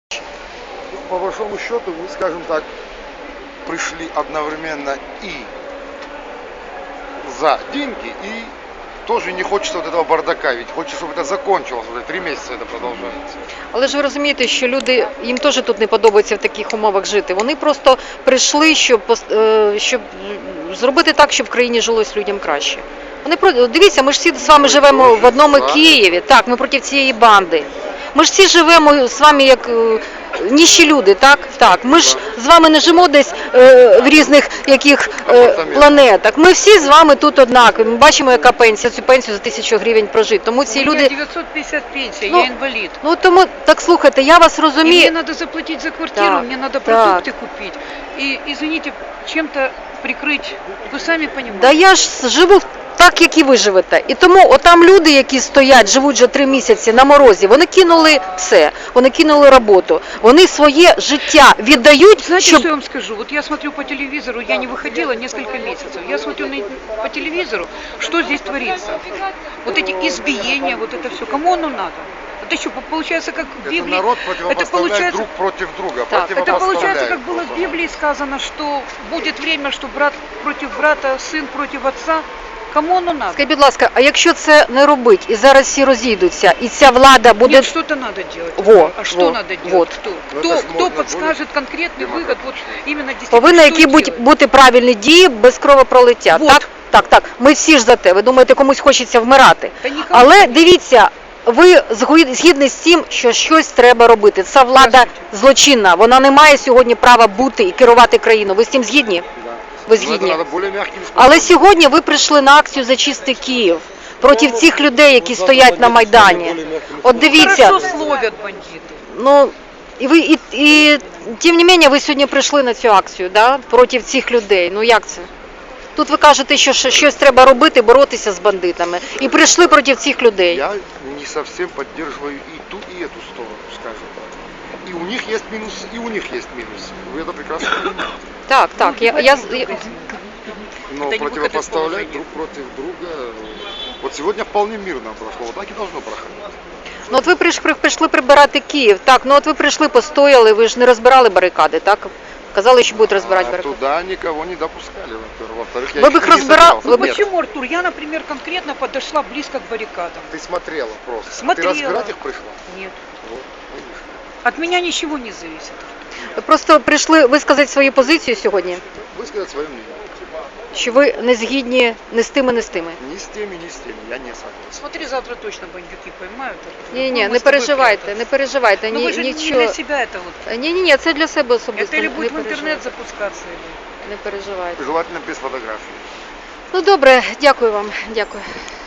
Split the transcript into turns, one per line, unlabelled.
По большому счету, вы, скажем так, пришли одновременно и за деньги, и тоже не хочется вот этого бардака, ведь хочется, чтобы это закончилось, уже 3 месяца это продолжается.
Але ж ви розумієте, що люди, їм теж тут не подобається в таких умовах жити. Вони просто прийшли, щоб зробити так, щоб в країні жилось людям краще. Дивіться, ми ж всі з вами живемо в одному Києві, так, ми проти цієї банди. Ми ж всі живемо з вами як ніщі люди, так? Так. Ми ж з вами не живемо десь в різних планетах. Ми всі з вами тут однакові. Ми бачимо, яка пенсія, цю пенсію за 1000 гривень прожити. Тому ці люди...
950 пенсія, я інвалід.
Ну тому, так слухайте, я вас розумію.
І мені треба заплатити за квартиру,
так,
мені треба продукти купити. І, извините, чим-то прикрити, ви самі розумієте.
Да я ж живу так, як і ви живете. І тому отам люди, які стоять, живуть вже 3 місяці на морозі, вони кинули все, вони кинули роботу, вони своє життя віддають,
Знаете,
щоб...
что я вам скажу? Вот я смотрю по телевизору, я не выходила несколько месяцев, я смотрю по телевизору, что здесь творится. Вот эти избиения, вот это все, кому оно надо? Это что, получается, как в Библии?
Это народ противопоставляет друг против друга.
Так,
Это получается, как было в Библии сказано, что будет время, что брат против брата, сын против отца. Кому оно надо?
Скажіть, будь ласка, а якщо це не робить, і зараз всі розійдуться, і ця влада буде...
Нет, что-то надо делать. А что надо делать?
Вот.
Кто подскажет конкретный выход? Вот именно действительно,
Повинні
что
які
делать?
бути правильні дії без кровопролиття.
Вот.
Так. Ми всі ж за те. Ви думаєте, комусь хочеться вмирати.
Та нікому
Але
не.
дивіться, ви згідні з тим, що щось треба робити. Ця влада злочинна. Вона не має сьогодні права бути і керувати країною. Ви з цим згідні? Ви згідні. Але сьогодні ви прийшли на акцію «За чистий Київ» проти цих людей, які стоять на Майдані. От дивіться.
Хорошо словят бандиты.
Ну, і тим не менше, ви сьогодні прийшли на цю акцію, да, проти цих людей. Ну як це? Тут ви кажете, що щось треба робити, боротися з бандитами. І прийшли проти цих людей.
Я не совсем поддерживаю и ту, и эту сторону, скажем так. И у них есть минус, и у них есть минус. Вы это прекрасно понимаете.
Так.
Но
Это не
противопоставлять
выход из
друг против друга, вот сегодня вполне мирно прошло, вот так и должно проходить.
Ну от ви прийшли прибирати Київ, так, ну от ви прийшли, постояли, ви ж не розбирали барикади, так? Казали, що будуть розбирати барикади.
Туда никого не допускали, во-первых. Во-вторых, я
Вы
их
бы их
не
разбирал-
собирался.
вы бы-
Нет,
Почему, Артур? Я, например, конкретно подошла близко к баррикадам.
ты смотрела просто.
Смотрела.
Ты разбирать их пришла?
Нет.
Вот, видишь.
От меня ничего не зависит.
Ви просто прийшли висказати свою позицію сьогодні,
Высказать свое мнение.
що ви не згідні не з тими, не з тими.
Ни с теми, ни с теми. Я не согласен.
Смотри, завтра точно бандюки поймают.
Ні,
Ну,
не
мы с тобой
переживайте,
прятались.
не переживайте,
Ну вы же не
нічого.
для себя это вот.
Ні, це для себе особисто.
Это или
Не
будет в интернет
переживайте.
запускаться, или...
Не переживайте.
Желательно без фотографий.
Ну добре, дякую вам, дякую.